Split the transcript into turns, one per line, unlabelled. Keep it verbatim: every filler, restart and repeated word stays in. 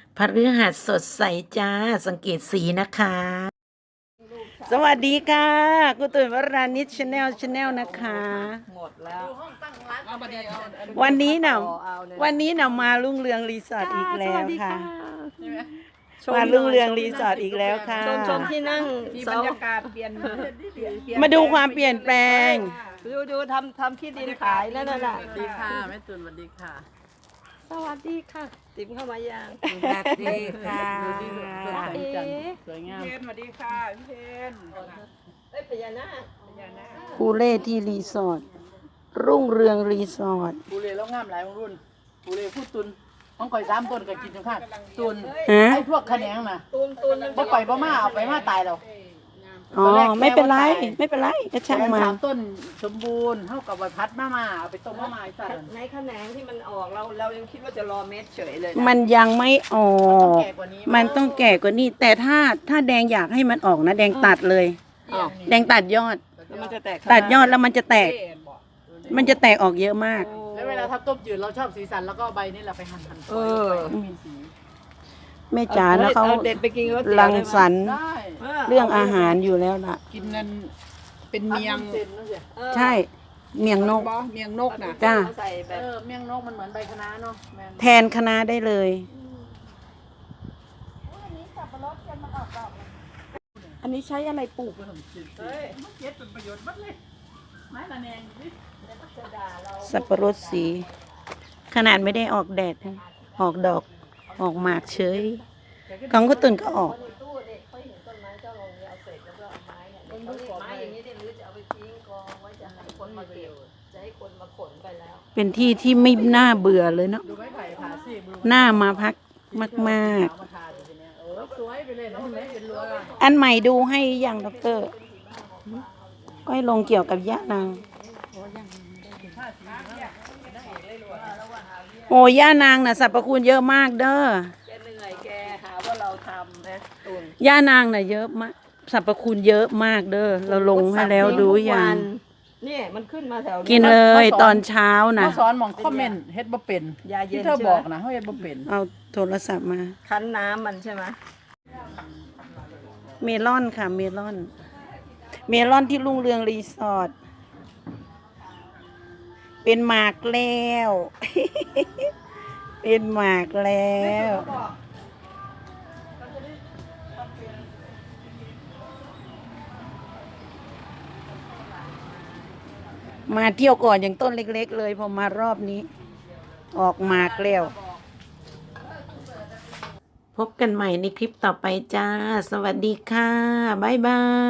พฤหัสสดใสจ้าสังเกตสีนะคะ สวัสดีค่ะกุตุยวรานิชชาแนลชาแนลนะคะ
หมดแล้ว
วันนี้เนาะวันนี้เนาะมารุ่งเรืองรีสอร์ทอีกแล้วค่ะมารุ่งเรืองรีสอร์ทอีกแล้วค่ะ
ชมชมที่นั่ง
มีบรรยากาศเปลี่ยน
มาดูความเปลี่ยนแปลง
ดูดูทำทำที่ดินขายนั่นน่ะ
สวัสดีค่ะแม่ตุนสวัสดีค่ะ
สวัสดีค่ะติ๋มเข้ามายัง
สวัสดีค่ะ
เอ๊ะ
สวยงาม
เพนสวัสดีค่ะพี่เพน
เอ้ยพญานาค
ปูเล่ที่รีสอร์ทรุ่งเรืองรีสอร์ท
ปูเล่แล้วงามหลายของรุ่นปูเล่พูดตุนต้องคอยสามต้นก็กินจนขาดตุน
ฮะ
ไอ้พวกขะแขนงน่ะ
ตูนตูน
บ่ปล่อยบ่มาเอาไปมาตายแล้ว
อ๋อไม่เป็นไรไม่เป็นไรก็ช่างมา
สามต้นสมบูรณ์เท่ากับใบพัดมามาเอาไปต้มมามาไอ้สัตว์
ในแขนงที่มันออกเราเรายังคิดว่าจะรอเม็ดเฉยเลย
มันยังไม่ออ
ต้อง
ก
แก่กว่านี้
มันต้องแก่กว่านี้ แต่ถ้าถ้าแดงอยากให้มันออกนะ แดงตัดเลย แดงตัดยอด
แล้วมันจะแตก
ตัดยอดแล้วมันจะแตก มันจะแตกออกเยอะมาก
แล้วเวลาทับต้มจืดเราชอบสีสันแล้วก็ใบนี่เราไปหั่นหั่น
เออ
มีสี
แม่จ๋านะเขา
เด็ดไปกินก็
รังสรรค์
ได้
เรื่องอาหารอยู่แล้วล่ะ
กินนั่นเป็นเมียง
เส้นนั่นสิ
ใช่เมียงนก
บอเมียงนกนะ
จ้า
ใส่แบ
เอบ อเมี่ยงนกมันเหมือนใบคะน้าเนาะแม่น
แทนคะน้าได้เลย
อันนี้ใช้อะไรปลูก
เฮ้ยมันเจ็ดเป็นประโยชน์หมดเลยไม้ละแนงดิ
สับปะรดสี ขนาดไม่ได้ออกแดดนะออกดอกออกหมากเฉยของก็ตุนก็ออก
ตู้เด็กเขาเห็นต้นไม้เจ้าลงเอาเศษแล้วก็เอาไม้เนี่ยไม้อย่างนี้ได้หรือจะเอาไปทิ้งกองไว้จะให้คนมาเก็บจะให้คนมาขนไปแล้ว
เป็นที่ที่ไม่น่าเบื่อเลยเนาะ
ดูไม้ไผ่ผ่าซี่มือ
น่ามาพักมาก
เอามาทาอยู่ทีเนี้ยเออสวยไปเลยนะเห็นไหมเป็นรั้วอะ
ๆ อันใหม่ดูให้ยังด็อกเตอร์ก็ให้ลงเกี่ยวกับยะนางโอ้ย่านางน่ะสรรพคุณเยอะมากเด้อ
แกเหนื่อยแกหาว่าเราทำนะตุน
ย่านางน่ะเยอะมากสรรพคุณเยอะมากเด้อเราลงให้แล้วดูยัง
เนี่ยมันขึ้นมาแถว
กินเลยตอนเช้านะ
เขาสอนหมองคอมเมนต์เฮ็ดบ่เป็น
ยาเย็
ที่
น
เธอ
ใช่ไหม
บอกนะเขาเฮ็ดบ่เป็น
เอาโทรศัพท์มา
คั้นน้ำมันใช่ไหม
เมลอนค่ะ เมลอน เมลอนที่รุ่งเรืองรีสอร์ทเป็นหมากแล้ว เป็นหมากแล้ว มาเที่ยวก่อนอย่างต้นเล็กๆเลยพอมารอบนี้ ออกหมากแล้ว พบกันใหม่ในคลิปต่อไปจ้า สวัสดีค่ะ บ๊ายบาย